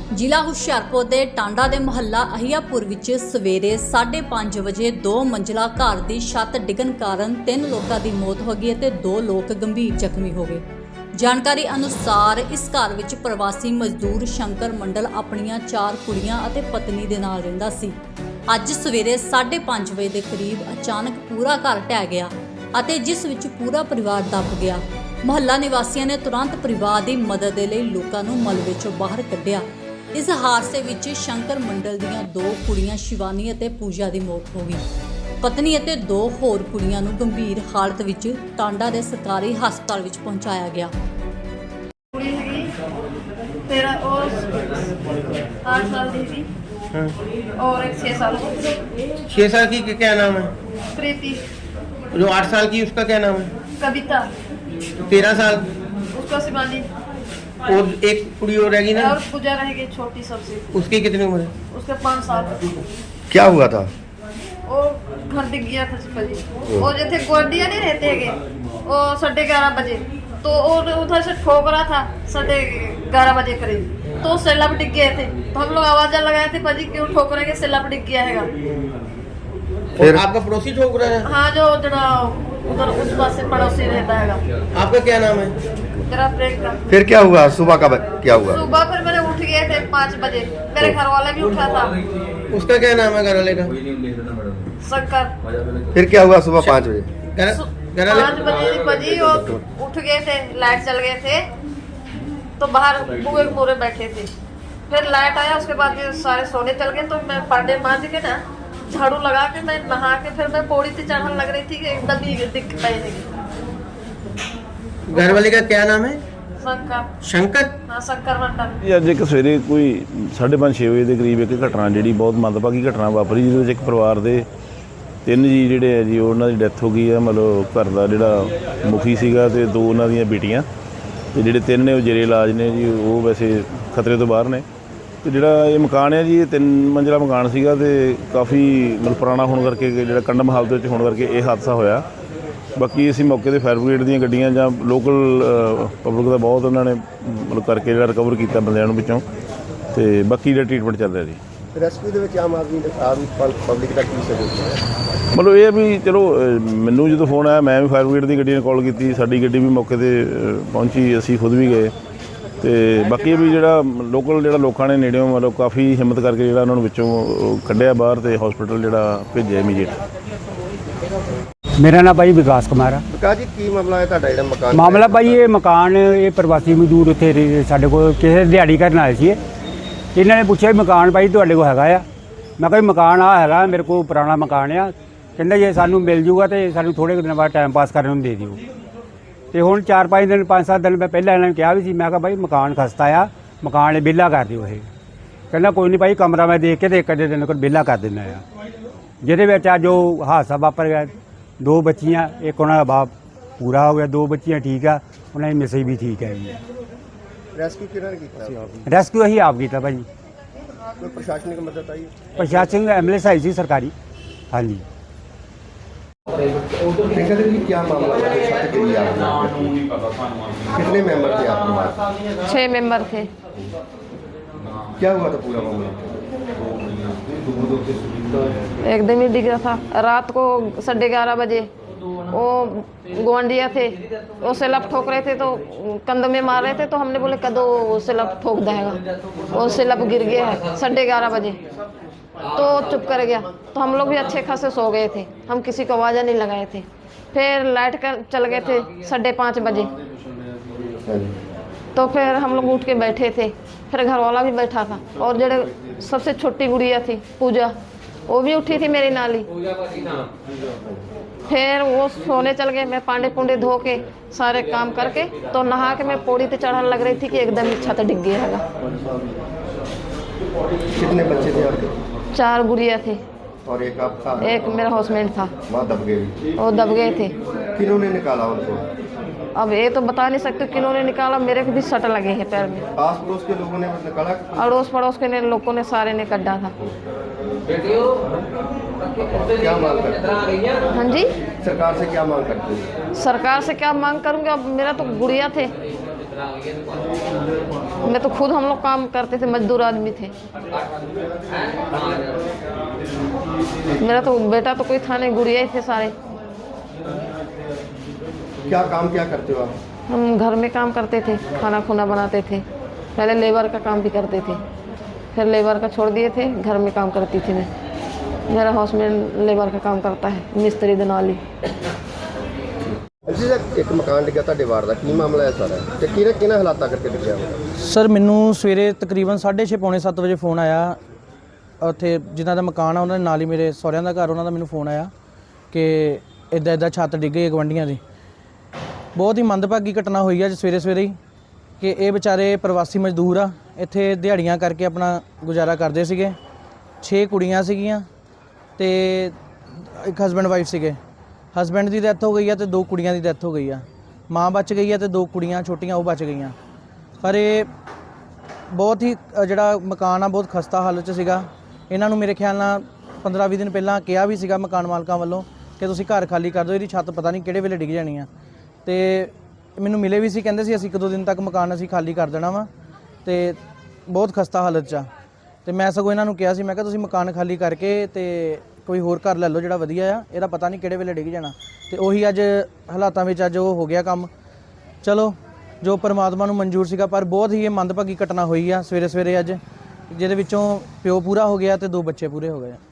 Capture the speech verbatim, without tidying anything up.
ਜ਼ਿਲ੍ਹਾ ਹੁਸ਼ਿਆਰਪੁਰ ਦੇ ਟਾਂਡਾ ਦੇ ਮੁਹੱਲਾ ਅਹੀਆਪੁਰ ਵਿੱਚ ਸਵੇਰੇ ਸਾਢੇ ਪੰਜ ਵਜੇ ਦੋ ਮੰਜ਼ਿਲਾ ਘਰ ਦੀ ਛੱਤ ਡਿੱਗਣ ਕਾਰਨ ਤਿੰਨ ਲੋਕਾਂ ਦੀ ਮੌਤ ਹੋ ਗਈ ਅਤੇ ਦੋ ਲੋਕ ਗੰਭੀਰ ਜ਼ਖਮੀ ਹੋ ਗਏ। ਜਾਣਕਾਰੀ ਅਨੁਸਾਰ ਇਸ ਘਰ ਵਿੱਚ ਪ੍ਰਵਾਸੀ ਮਜ਼ਦੂਰ ਸ਼ੰਕਰ ਮੰਡਲ ਆਪਣੀਆਂ ਚਾਰ ਕੁੜੀਆਂ ਅਤੇ ਪਤਨੀ ਦੇ ਨਾਲ ਰਹਿੰਦਾ ਸੀ। ਅੱਜ ਸਵੇਰੇ ਸਾਢੇ ਪੰਜ ਵਜੇ ਦੇ ਕਰੀਬ ਅਚਾਨਕ ਪੂਰਾ ਘਰ ਢਹਿ ਗਿਆ ਅਤੇ ਜਿਸ ਵਿੱਚ ਪੂਰਾ ਪਰਿਵਾਰ ਦੱਬ ਗਿਆ। ਮੁਹੱਲਾ ਨਿਵਾਸੀਆਂ ਨੇ ਤੁਰੰਤ ਪਰਿਵਾਰ ਦੀ ਮਦਦ ਦੇ ਲਈ ਲੋਕਾਂ ਨੂੰ ਮਲਬੇ ਚੋਂ ਬਾਹਰ ਕੱਢਿਆ। ਇਸ ਹਾਦਸੇ ਵਿੱਚ ਸ਼ੰਕਰ ਮੰਡਲ ਦੀਆਂ ਦੋ ਕੁੜੀਆਂ ਸ਼ਿਵਾਨੀ ਅਤੇ ਪੂਜਾ ਦੀ ਮੌਤ ਹੋ ਗਈ। ਪਤਨੀ ਅਤੇ ਦੋ ਹੋਰ ਕੁੜੀਆਂ ਨੂੰ ਗੰਭੀਰ ਹਾਲਤ ਵਿੱਚ ਟਾਂਡਾ ਦੇ ਸਰਕਾਰੀ ਹਸਪਤਾਲ ਵਿੱਚ ਪਹੁੰਚਾਇਆ ਗਿਆ। ਕੁੜੀ ਹੈਗੀ ਤੇਰਾ ਉਹ आठ साल ਦੀ ਸੀ और एक छह साल छह साल की क्या नाम है? प्रीति। जो आठ साल की उसका क्या नाम है? कविता। तेरह साल उसका शिवानी और एक कुड़ी और रहेगी ना? और पूजा रहेगी छोटी सबसे। उसकी कितनी उम्र है? उसके पाँच साल। क्या हुआ था? वो घर दिख गया था जी। वो जैसे गोंडिया नहीं रहते है वो साढ़े ग्यारह बजे तो और उधर से ठोक रहा था साढ़े ग्यारह बजे करीब तो सैलाब डिग गए थे तो हम लोग आवाज़ लगाए थे भाजी क्यों ठोक रहे हैं सैलाब डिग गया है। फिर आपका पड़ोसी ठोक रहा है? हाँ जो जरा उधर उस पास से पड़ोसी रहता है। आपका क्या नाम है? तेरा प्रियंका। फिर क्या हुआ सुबह का क्या हुआ? सुबह फिर मैंने उठ गए थे पाँच बजे मेरे घर वाला भी उठा था। उसका क्या नाम है घर वाले का? शंकर। फिर क्या हुआ सुबह पाँच बजे? पाँच बजे बजी और उठ गए थे लाइट चल गए थे तो बाहर बुए पूरे बैठे थे। फिर लाइट आया उसके बाद फिर सारे सोने चल गए तो मैं पांडे मांझ के ना झाड़ू लगा के मैं नहा के फिर मैं पौड़ी से चढ़ने लग रही थी कि एकदम ही दिख पाई। घर वाले का क्या नाम है? शंकर। शंकर? हाँ शंकर मंडल। ਇਹ ਅੱਜ ਇੱਕ ਸਵੇਰੇ ਕੋਈ ਸਾਢੇ ਪੰਜ ਛੇ ਵਜੇ ਦੇ ਕਰੀਬ ਇੱਕ ਘਟਨਾ ਜਿਹੜੀ ਬਹੁਤ ਮੰਦਭਾਗੀ ਘਟਨਾ ਵਾਪਰੀ ਜਿਹਦੇ ਵਿੱਚ ਇੱਕ ਪਰਿਵਾਰ ਦੇ ਤਿੰਨ ਜੀ ਜਿਹੜੇ ਹੈ ਜੀ ਉਹਨਾਂ ਦੀ ਡੈਥ ਹੋ ਗਈ ਹੈ। ਮਤਲਬ ਘਰ ਦਾ ਜਿਹੜਾ ਮੁਖੀ ਸੀਗਾ ਅਤੇ ਦੋ ਉਹਨਾਂ ਦੀਆਂ ਬੇਟੀਆਂ ਅਤੇ ਜਿਹੜੇ ਤਿੰਨ ਨੇ ਉਹ ਜੇਰੇ ਇਲਾਜ ਨੇ ਜੀ। ਉਹ ਵੈਸੇ ਖਤਰੇ ਤੋਂ ਬਾਹਰ ਨੇ। ਅਤੇ ਜਿਹੜਾ ਇਹ ਮਕਾਨ ਹੈ ਜੀ ਇਹ ਤਿੰਨ ਮੰਜ਼ਿਲਾ ਮਕਾਨ ਸੀਗਾ ਅਤੇ ਕਾਫੀ ਮਤਲਬ ਪੁਰਾਣਾ ਹੋਣ ਕਰਕੇ ਜਿਹੜਾ ਕੰਡਮ ਹਾਲਤ ਵਿੱਚ ਹੋਣ ਕਰਕੇ ਇਹ ਹਾਦਸਾ ਹੋਇਆ। ਬਾਕੀ ਅਸੀਂ ਮੌਕੇ 'ਤੇ ਫਾਇਰ ਬ੍ਰਿਗੇਡ ਦੀਆਂ ਗੱਡੀਆਂ ਜਾਂ ਲੋਕਲ ਪਬਲਿਕ ਦਾ ਬਹੁਤ ਉਹਨਾਂ ਨੇ ਮਤਲਬ ਕਰਕੇ ਜਿਹੜਾ ਰਿਕਵਰ ਕੀਤਾ ਬੰਦਿਆਂ ਨੂੰ ਵਿੱਚੋਂ ਅਤੇ ਬਾਕੀ ਜਿਹੜਾ ਟਰੀਟਮੈਂਟ ਚੱਲ ਰਿਹਾ ਜੀ। ਰੈਸਕਿਊ ਦੇ ਵਿੱਚ ਆਮ ਆਦਮੀ ਆਮ ਪਬਲਿਕ ਦਾ ਕੀ ਸਹਿਯੋਗ ਹੈ? ਮਤਲਬ ਇਹ ਵੀ ਚਲੋ ਮੈਨੂੰ ਜਦੋਂ ਫੋਨ ਆਇਆ ਮੈਂ ਵੀ ਫਾਇਰ ਬ੍ਰਿਗੇਡ ਦੀ ਗੱਡੀ ਨੂੰ ਕਾਲ ਕੀਤੀ। ਸਾਡੀ ਗੱਡੀ ਵੀ ਮੌਕੇ 'ਤੇ ਪਹੁੰਚੀ, ਅਸੀਂ ਖੁਦ ਵੀ ਗਏ ਅਤੇ ਬਾਕੀ ਵੀ ਜਿਹੜਾ ਲੋਕਲ ਜਿਹੜਾ ਲੋਕਾਂ ਨੇ ਨੇੜਿਓਂ ਮਤਲਬ ਕਾਫੀ ਹਿੰਮਤ ਕਰਕੇ ਜਿਹੜਾ ਉਹਨਾਂ ਨੂੰ ਵਿੱਚੋਂ ਕੱਢਿਆ ਬਾਹਰ ਅਤੇ ਹੌਸਪੀਟਲ ਜਿਹੜਾ ਭੇਜਿਆ ਇਮੀਡੀਏਟ। मेरा नाम भाई विकास कुमार है। ਵਿਕਾਸ ਜੀ ਕੀ ਮਾਮਲਾ ਹੈ ਤੁਹਾਡਾ ਜਿਹੜਾ ਮਕਾਨ? मामला भाई ये मकान ये प्रवासी मजदूर उत्थे साडे कोल किसी दिहाड़ी करन आए सी। इन्हों ने पूछा मकान भाई तुहाडे कोल हैगा आ? मैं कहा मकान आ हैगा मेरे को पुराना मकान आ। कहंदा जे सानू मिल जूगा तो सानू थोड़े दिन बाद टाइम पास करने नूं दे दिओ। तो हुण चार पाँच दिन पाँच सात दिन मैं पहले इन्होंने कहा भी सी। मैं कहा भाई मकान खस्ता आ मकान बिला कर दिओ। ये कहंदा कोई नहीं भाई कमरा मैं देख के तो एक अद्धे दिन को बिला कर देना आ। जिहदे विच अज ओह हादसा वापर गया। दो बच्चियाँ एक उन्होंने बाप पूरा हो गया, दो बच्चियाँ ठीक है, उन्हें मिसेज भी ठीक है। ਰੈਸਕਿਊ ਕਿਹਨਾਂ ਨੇ ਕੀਤਾ? रेस्क्यू अं आप किया भाई। ਕੋਈ ਪ੍ਰਸ਼ਾਸਨਿਕ ਮਦਦ ਆਈ? प्रशासन एम्बुलेंस आई सी सरकारी। हाँ जी। ठेका जी क्या मामला है? छत गिरी आपकी, कितने मेंबर थे आपके पास? छह मेंबर थे। क्या हुआ था पूरा मामला? एकदम ही डिग रहा था रात को साढ़े ग्यारह बजे वो गोंडिया थे वो सैलाब ठोक रहे थे तो कंध में मार रहे थे तो हमने बोले कदो सैलाब ठोक देगा। वो सैलाब गिर गया है साढ़े ग्यारह बजे तो चुप कर गया तो हम लोग भी अच्छे खासे सो गए थे। हम किसी को आवाज़ नहीं लगाए थे। फिर लाइट कर चल गए थे साढ़े पाँच बजे तो फिर हम लोग उठ के बैठे थे। फिर घर वाला भी बैठा था और जड़े सबसे छोटी गुड़िया थी पूजा वो भी उठी थी मेरी नाली। फिर वो सोने चल गए। मैं पांडे पुंडे धो के सारे काम करके तो नहा के मैं पौड़ी पे चढ़ने लग रही थी कि एकदम ही छत डिग गया है। कितने बच्चे थे आपके? चार गुड़िया थे और एक आपका? एक मेरा हाउसमेट था। वहाँ दब गए? वो दब गए थे। किन्होंने निकाला उनको? अब ये तो बता नहीं सकते किन्होंने निकाला। मेरे को भी सट लगे हैं पैर में। आस पड़ोस के लोगों ने निकाला? अड़ोस पड़ोस के ने लोगों ने सारे ने कड्ढा था। क्या मांग करते हैं? हाँ जी सरकार से क्या मांग करते हैं? सरकार से क्या मांग करूँगी? अब मेरा तो गुड़िया थे मैं तो खुद हम लोग काम करते थे, मजदूर आदमी थे। मेरा तो बेटा तो कोई था नहीं, गुड़िया ही थे सारे। क्या काम क्या करते हो आप? हम घर में काम करते थे, खाना खुना बनाते थे। पहले लेबर का काम भी करते थे, फिर लेबर का छोड़ दिए थे, घर में काम करती थी मैं। मेरा हाउसमेट लेबर का काम करता है, मिस्त्री दनाली। ਜੀ ਇੱਕ ਮਕਾਨ ਡਿੱਗਾ ਤੁਹਾਡੇ ਵਾਰ ਦਾ, ਕੀ ਮਾਮਲਾ ਹੈ ਸਾਰਾ ਤੇ ਕਿਹਨੇ ਕਿਹਨੇ ਹਾਲਾਤਾਂ ਕਰਕੇ ਡਿੱਗਿਆ? ਸਰ ਮੈਨੂੰ ਸਵੇਰੇ ਤਕਰੀਬਨ ਸਾਢੇ ਛੇ ਪੌਣੇ ਸੱਤ ਵਜੇ ਫੋਨ ਆਇਆ, ਉੱਥੇ ਜਿਨ੍ਹਾਂ ਦਾ ਮਕਾਨ ਆ ਉਹਨਾਂ ਦੇ ਨਾਲ ਹੀ ਮੇਰੇ ਸਹੁਰਿਆਂ ਦਾ ਘਰ, ਉਹਨਾਂ ਦਾ ਮੈਨੂੰ ਫੋਨ ਆਇਆ ਕਿ ਇੱਦਾਂ ਇੱਦਾਂ ਛੱਤ ਡਿੱਗ ਗਈ ਗਵਾਂਢੀਆਂ ਦੀ। ਬਹੁਤ ਹੀ ਮੰਦਭਾਗੀ ਘਟਨਾ ਹੋਈ ਅੱਜ ਸਵੇਰੇ ਸਵੇਰੇ ਹੀ ਕਿ ਇਹ ਵਿਚਾਰੇ ਪ੍ਰਵਾਸੀ ਮਜ਼ਦੂਰ ਆ, ਇੱਥੇ ਦਿਹਾੜੀਆਂ ਕਰਕੇ ਆਪਣਾ ਗੁਜ਼ਾਰਾ ਕਰਦੇ ਸੀਗੇ। ਛੇ ਕੁੜੀਆਂ ਸੀਗੀਆਂ ਤੇ ਇੱਕ ਹਸਬੈਂਡ ਵਾਈਫ ਸੀਗੇ। ਹਸਬੈਂਡ ਦੀ ਡੈਥ ਹੋ ਗਈ ਆ ਤੇ ਦੋ ਕੁੜੀਆਂ ਦੀ ਡੈਥ ਹੋ ਗਈ ਆ। ਮਾਂ ਬਚ ਗਈ ਆ ਤੇ ਦੋ ਕੁੜੀਆਂ ਛੋਟੀਆਂ ਉਹ ਬਚ ਗਈਆਂ। ਪਰ ਇਹ ਬਹੁਤ ਹੀ ਅ, ਜਿਹੜਾ ਮਕਾਨ ਆ ਬਹੁਤ ਖਸਤਾ ਹਾਲਤ 'ਚ ਸੀਗਾ। ਇਹਨਾਂ ਨੂੰ ਮੇਰੇ ਖਿਆਲ ਨਾਲ ਪੰਦਰਾਂ ਵੀਹ ਦਿਨ ਪਹਿਲਾਂ ਕਿਹਾ ਵੀ ਸੀਗਾ ਮਕਾਨ ਮਾਲਕਾਂ ਵੱਲੋਂ ਕਿ ਤੁਸੀਂ ਘਰ ਖਾਲੀ ਕਰ ਦਿਓ, ਇਹਦੀ ਛੱਤ ਪਤਾ ਨਹੀਂ ਕਿਹੜੇ ਵੇਲੇ ਡਿੱਗ ਜਾਣੀ ਆ। ਤੇ ਮੈਨੂੰ ਮਿਲੇ ਵੀ ਸੀ, ਕਹਿੰਦੇ ਸੀ ਅਸੀਂ ਇੱਕ ਦੋ ਦਿਨ ਤੱਕ ਮਕਾਨ ਅਸੀਂ ਖਾਲੀ ਕਰ ਦੇਣਾ ਵਾ ਤੇ ਬਹੁਤ ਖਸਤਾ ਹਾਲਤ 'ਚ ਆ। ਤੇ ਮੈਂ ਸਗੋਂ ਇਹਨਾਂ ਨੂੰ ਕਿਹਾ ਸੀ, ਮੈਂ ਕਿਹਾ ਤੁਸੀਂ ਮਕਾਨ ਖਾਲੀ ਕਰਕੇ ਤੇ ਕੋਈ ਹੋਰ ਘਰ ਲੈ ਲਓ ਜਿਹੜਾ ਵਧੀਆ ਆ, ਇਹਦਾ ਪਤਾ ਨਹੀਂ ਕਿਹੜੇ ਵੇਲੇ ਡਿੱਗ ਜਾਣਾ। ਤੇ ਉਹੀ ਅੱਜ ਹਾਲਾਤਾਂ ਵਿੱਚ ਅੱਜ ਉਹ ਹੋ ਗਿਆ ਕੰਮ। ਚਲੋ ਜੋ ਪਰਮਾਤਮਾ ਨੂੰ ਮਨਜ਼ੂਰ ਸੀਗਾ, ਪਰ ਬਹੁਤ ਹੀ ਇਹ ਮੰਦਭਾਗੀ ਘਟਨਾ ਹੋਈ ਆ ਸਵੇਰੇ ਸਵੇਰੇ ਅੱਜ, ਜਿਹਦੇ ਵਿੱਚੋਂ ਪਿਓ ਪੂਰਾ ਹੋ ਗਿਆ ਤੇ ਦੋ ਬੱਚੇ ਪੂਰੇ ਹੋ ਗਏ।